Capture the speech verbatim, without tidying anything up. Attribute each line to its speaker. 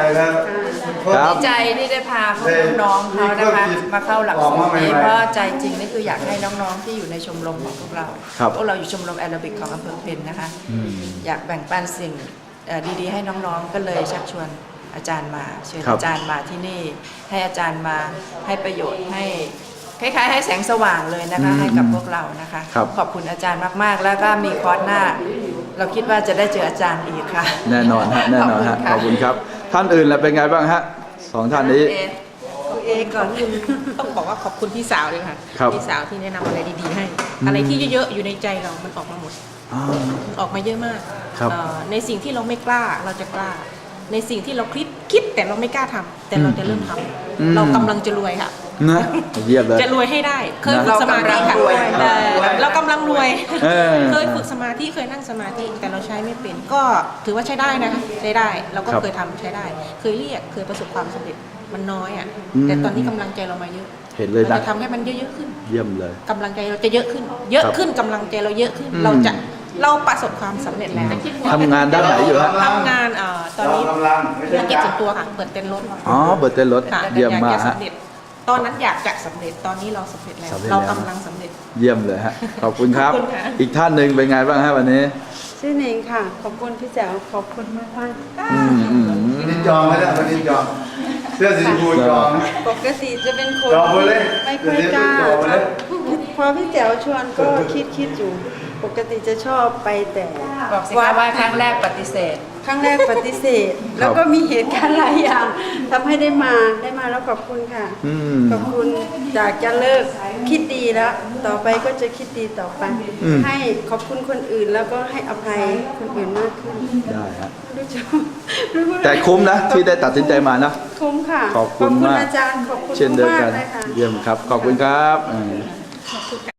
Speaker 1: แล้ว
Speaker 2: ดีใจที่ได้พาพวกน้องๆเขานะคะมาเข้าหลักสูตรนี้เพราะใจจริงนี่คืออยากให้น้องๆที่อยู่ในชมรมของพวกเราพวกเราอยู่ชมรมแอโรบิกของอำเภอเพนนะคะอยากแบ่งปันสิ่งดีๆให้น้องๆก็เลยชักชวนอาจารย์มาเชิญอาจารย์มาที่นี่ให้อาจารย์มาให้ประโยชน์ให้คล้ายๆให้แสงสว่างเลยนะคะให้กับพวกเรานะคะขอบคุณอาจารย์มากๆแล้วก็มีคอร์สหน้าเราคิดว่าจะได้เจออาจารย์อีกค่ะ
Speaker 3: แน่นอนฮะแน่นอนฮะขอบคุณครับท่านอื่นแล้วเป็นไงบ้างฮะสองท่านนี้
Speaker 4: เองก่อนอื่นต้องบอกว่าขอบคุณพี่สาวเลยค่ะพี่สาวที่แนะนำอะไรดีๆให้อะไรที่เยอะๆอยู่ในใจเรามันออกมาหมดออกมาเยอะมากในสิ่งที่เราไม่กล้าเราจะกล้าในสิ่งที่เราคิดคิดแต่เราไม่กล้าทำแต่เราจะเริ่มทำเรากำลังจะรวยค่ะ
Speaker 3: นะเยี่ยมเลย
Speaker 4: จะรวยให้ได้เคยฝึกสมาธิค่ะเรากำลังรวยเคยฝึกสมาธิเคยนั่งสมาธิแต่เราใช้ไม่เป็นก็ถือว่าใช้ได้นะคะใช้ได้เราก็เคยทำใช้ได้เคยเรียกเคยประสบความสำเร็จมันน้อยอ่ะแต่ตอนนี้กำลังใจเรามาเยอะ
Speaker 3: เห็นเลยนะ
Speaker 4: จะทำให้มันเยอะๆขึ้น
Speaker 3: เยี่ยมเลย
Speaker 4: กำลังใจเราจะเยอะขึ้นเยอะขึ้นกำลังใจเราเยอะขึ้นเราจะเราประสบความสำเร็จแล้ว
Speaker 3: ทำงานด้านไหนอยู่ฮะ
Speaker 4: ทำงานอ่าตอนนี้ธุรกิจส่วนตัวค่ะเปิดเต็นท์รถ
Speaker 3: อ๋อเปิดเต็นท์รถเยี่ยมมากฮะ
Speaker 4: ตอนนั้นอยากจะสำเร็จตอนนี้เราสำเร็จแล้วเรากำลังสำเร็จ
Speaker 3: เยี่ยมเลยฮะขอบคุณครับอีกท่านหนึ่งเป็นไงบ้างฮะวันนี้
Speaker 5: ชื่อเนงค่ะขอบคุณพี่แจ๋วขอบคุณมากมาก
Speaker 1: วันนี้จองไหมเนี่ยวันนี้จองเสื้อสีชมพูจอง
Speaker 5: ปกติจะเป็นคนไม่ค่อยกล้าพอพี่แจ๋วชวนก็คิดคิดอยู่ปกติจะชอบไปแต่
Speaker 2: บอกสิคะว่าครั้งแรกปฏิเสธ
Speaker 5: ครั้งแรกปฏิเสธแล้วก็มีเหตุการณ์หลายอย่างทำให้ได้มาได้มาแล้วขอบคุณค่ะขอบคุณจากจะเลิกคิดดีแล้วต่อไปก็จะคิดดีต่อไปให้ขอบคุณคนอื่นแล้วก็ให้อภัยคนอื่นมากขึ้น
Speaker 3: ได้ฮะ
Speaker 5: รู้จัก
Speaker 3: แต่คุ้มนะที่ได้ตัดสินใจมานะ
Speaker 5: คุ้มค่ะ
Speaker 3: ขอบคุณมาก
Speaker 5: อาจารย์ขอบคุณ
Speaker 3: เช่นเดียวกันเยี่ยมครับขอบคุณครับ